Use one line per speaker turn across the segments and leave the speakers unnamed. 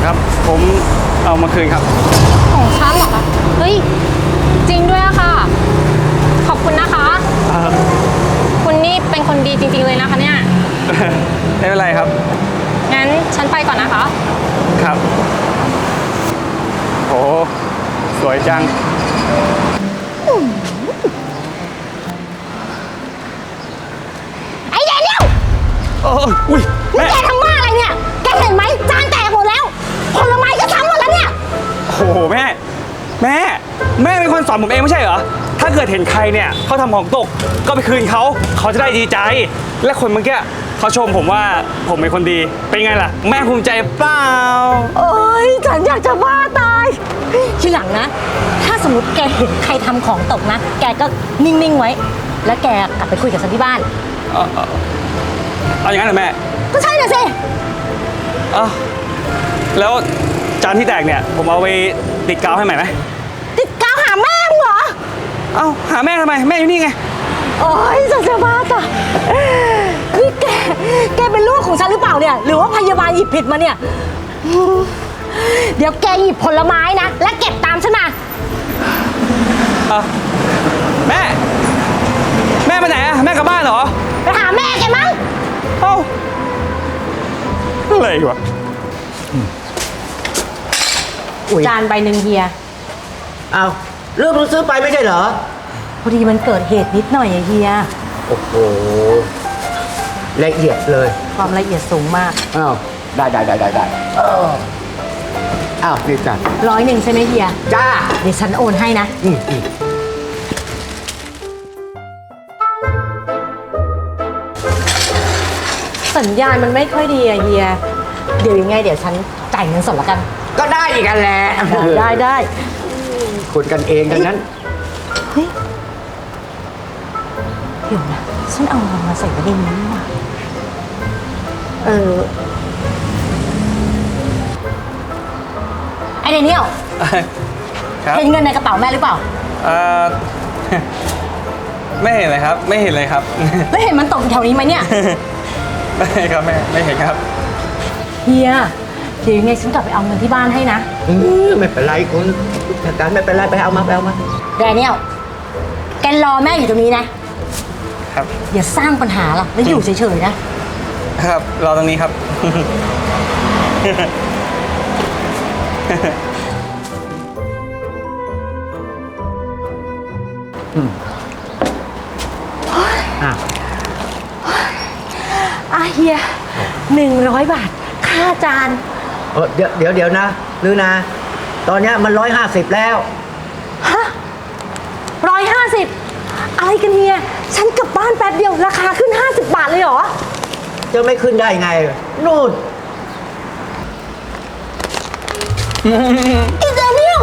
ครับผมเอามาคืนครับ
ของฉันเหรอคะเฮ้ยจริงด้วยอะค่ะขอบคุณนะคะคุณนี่เป็นคนดีจริงๆเลยนะคะเนี่ย
ไม่เป็นไรครับ
งั้นฉันไปก่อนนะคะ
ครับโหสวยจัง
ไอ้แดเนียล
อุ้ย
นี่แกทำบ้าอะไรเนี่ยแกเห็นไหมจานแตกหมดแล้วผลไม้ก็ทั้งหมดแล้วเนี่ย
โอ้โหแม่เป็นคนสอนผมเองไม่ใช่เหรอถ้าเกิดเห็นใครเนี่ยเขาทำของตกก็ไปคืนเขาจะได้ดีใจและคนเมื่อกี้เขาชมผมว่าผมเป็นคนดีเป็นไงล่ะแม่ภูมิใจเปล่า
โอ้ยฉันอยากจะบ้าตายทีหลังนะถ้าสมมติแกเห็นใครทำของตกนะแกก็นิ่งๆไว้แล้วแกกลับไปคุยกับฉันที่บ้าน
เอาอย่างนั้นเหรอแม่
ก็ใช่น่ะสิ
แล้วจานที่แตกเนี่ยผมเอาไปติดกาวให้ใหม่ไหม
ติดกาวหาแม่มึงเหรอ
หาแม่ทำไมแม่อยู่นี่ไง
โอ้ยฉันจะบ้าตายนี่แกเป็นลูกของฉันหรือเปล่าเนี่ยหรือว่าพยาบาลหยิบผิดมาเนี่ยเดี๋ยวแกหยิบผลไม้นะและเก็บตามฉันมา
แม่ไปไหนอะแม่กลับบ้านเหรอ
ไปหาแม่แกมั้ง
อะไรวะ
จานใบหนึ่งเฮีย
เรื่องเราซื้อไปไม่ใช่เหรอ
พอดีมันเกิดเหตุนิดหน่อยอะเฮีย
โอ้โหละเอียดเลย
ความละเอียดสูงมาก
ได้นี่จ้ะ
100ใช่ไหมเฮีย
จ้า
เดี๋ยวฉันโอนให้นะสัญญาณมันไม่ค่อยดีอะเฮียเดี๋ยวยังไงเดี๋ยวฉันจ่ายเงินสดละกัน
ก็ได้อีกกันแหละ
ได้
คนกันเองกันนั้น
เฮ้ยเดี๋ยวนะฉันเอาเงินมาใส่ไว้ในนี้ว่ะไอเดนิเอลเห็นเงินในกระเป๋าแม่หรือเปล่า
ไม่เห็นเลยครับไม่เห็นเลยครับ
แล้วเห็นมันตกแถวนี้ไหมเนี่ย
ไม่ครับแม่ไม่เห็นครับ
เฮียเดี๋ยวยังไงฉันกลับไปเอาเงินที่บ้านให้นะ
ไม่เป็นไรคุณจัดการไม่เป็นไรไปเอามา
แดเนียลแกรอแม่อยู่ตรงนี้นะครับอย่าสร้างปัญหาล่ะแล้วอยู่เฉยๆ
นะครับรอตรงนี้ครับ
เฮีย100 บาทค่าจาน
เดี๋ยวนะลือนะตอนนี้มัน150แล้ว
ฮะ150อะไรกันเฮียฉันกลับบ้านแป๊บเดียวราคาขึ้น50 บาทเลยเหรอ
จะไม่ขึ้นได้ไงนู่น
อีเดนิเอล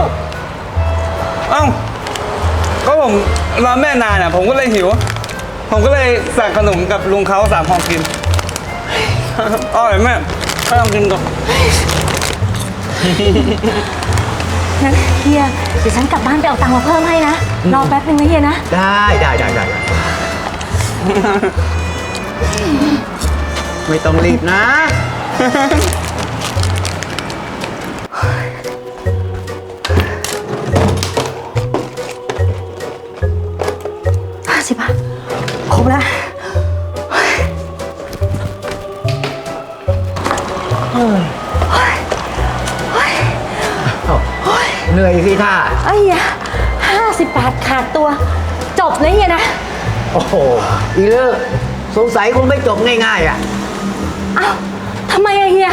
ก็ผมรอแม่นานผมก็เลยหิวผมก็เลยสั่งขนมกับลุงเขา3 ห่อกินอร่อยแม่ไม่ต้องกินก่อน
งั้นเฮียเดี๋ยวฉันกลับบ้านไปเอาตังค์มาเพิ่มให้นะรอแป๊บนึงนะเฮียนะ
ได้ไม่ต้องรีบนะ
50 บาทครบแล้ว
เหนื่อยสิท่า
ไอ้เหี้ย50 บาทขาดตัวจบเลยเฮียนะ
โอ้โหอีเลิกสงสัยคงไม่จบง่ายๆ
ทำไมอะเฮีย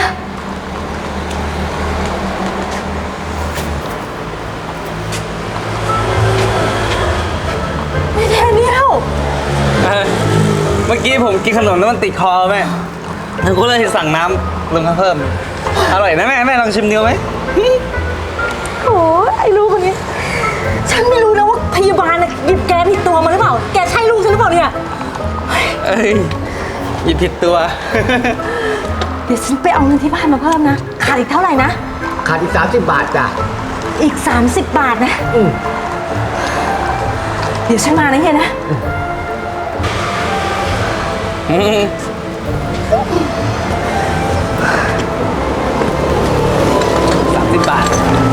ไม่แทนเดียว
เมื่อกี้ผมกินขนมแล้วมันติดคอแม่ผมก็เลยสั่งน้ำลงมาเพิ่มอร่อยนะแม่ลองชิมเดียวไหม
โอ้ไอ้ลูกคนนี้ฉันไม่รู้นะว่าพยาบาลหยิบแกผิดตัวมาหรือเปล่าแกใช่ลูกฉันหรือเปล่าเนี่ย
หยิบผิดตัว
เดี๋ยวฉันไปเอาเงินที่บ้านมาเพิ่มนะขาดอีกเท่าไหร่นะ
ขาดอีก30 บาทจ้ะ
อีก30 บาทนะเดี๋ยวฉันมานะเฮียนะ
30 บาท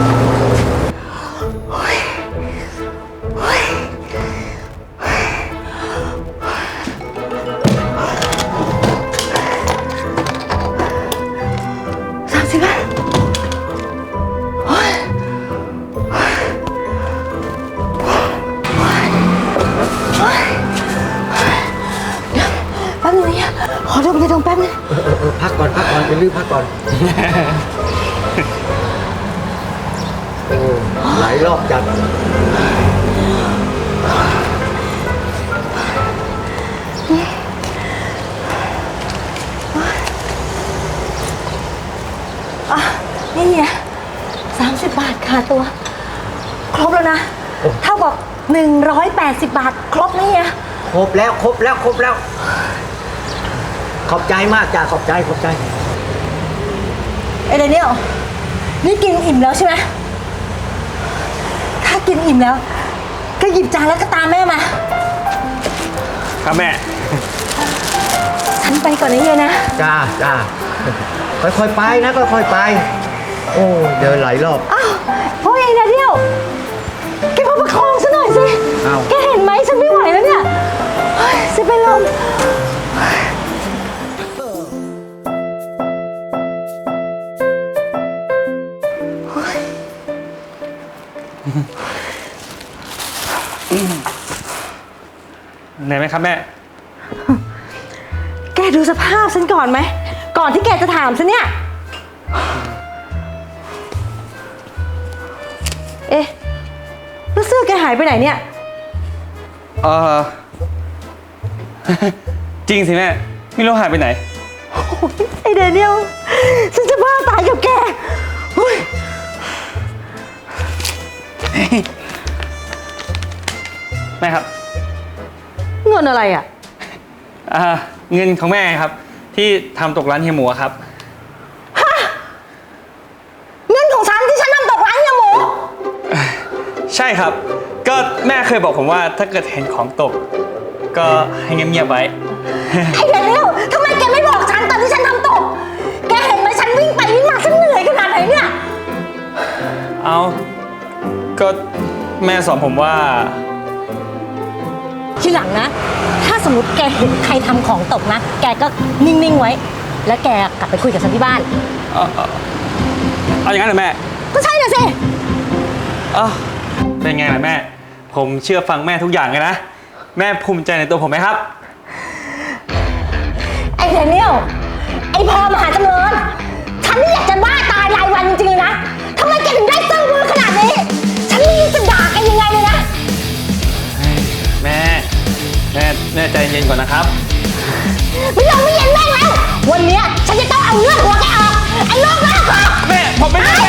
30 บาทแป๊บนึงนะขอดมยาดมแป๊บนึง
พักก่อนเป็นรีบพักก่อน โอ้หลายรอบจัด
นี่ไง30 บาทค่ะตัว ครบแล้วนะ เท่ากับ180 บาท ครบนี่ไง
ครบแล้ว ขอบใจมากจ้าขอบใจ
เอเดเนียลนี่กินอิ่มแล้วใช่ไหมถ้ากินอิ่มแล้ว ก็หยิบจานแล้วก็ตามแม่มา
ครับแม่
ฉันไปก่อนนะเฮียนะ
จ้าค่อยๆไปนะค่อยๆไป โอ้เดินหลายรอบ
อ้าวพวกเองนะเดียวแกมาประคองฉันหน่อยสิ
อ้าว
แกเห็นไหมฉันไม่ไหวแล้วเนี่ยเฮ้ยจะเป็นลม
เหนื่อยไหมครับแม่
แกดูสภาพฉันก่อนไหม ก่อนที่แกจะถามฉันเนี่ย เอ๊ะแล้วเสื้อแกหายไปไหนเนี่ย
เออ จริงสิแม่ ไม่รู้หายไปไหน
โอ้ยไอเดเนียลฉันจะบ้าตายกับแกเฮ้ย
แม่ครับ
เงินอะไรอ่ะ
เงินของแม่ครับ ที่ทำตกร้านเฮียหมูอะครับ
เงินของฉันที่ฉันนำตกร้านเฮียหมู
ใช่ครับ ก็แม่เคยบอกผมว่าถ้าเกิดเห็นของตก ก็ให้เงียบๆไว้
ไอเดเนียลทำไมแกไม่บอกฉันตอนที่ฉันทำตก แกเห็นไหมฉันวิ่งไปวิ่งมาฉันเหนื่อยขนาดไหนเนี่ย
เอาก็แม่สอนผมว่า
ทีหลังนะ ถ้าสมมติแกเห็นใครทำของตกนะ แกก็นิ่ง ๆ ไว้ แล้วแกกลับไปคุยกับฉันที่บ้าน
เอาอย่างนั้นเหรอแม่
ก็ใช่น่ะสิ
เป็นไงล่ะแม่ ผมเชื่อฟังแม่ทุกอย่างเลยนะ แม่ภูมิใจในตัวผมไหมครับ
ไอ้เดเนียลไอ้พอมหาจำเริญฉันนี่อยากจะบ้าตายรายวันจริงๆเลยนะทำไมแกถึงได้ซื่อมือขนาดนี้ ฉันไม่รู้จะด่าแกยังไงเลยนะ
แม่ใจเย็นก่อนนะครับ
ไม่ยอมไม่เย็นแม่งแล้ว วันเนี้ยฉันจะต้องเอาเลือดหัวแกออก ไอ้โรคบ้าคอ
แม่ผมไม่ได้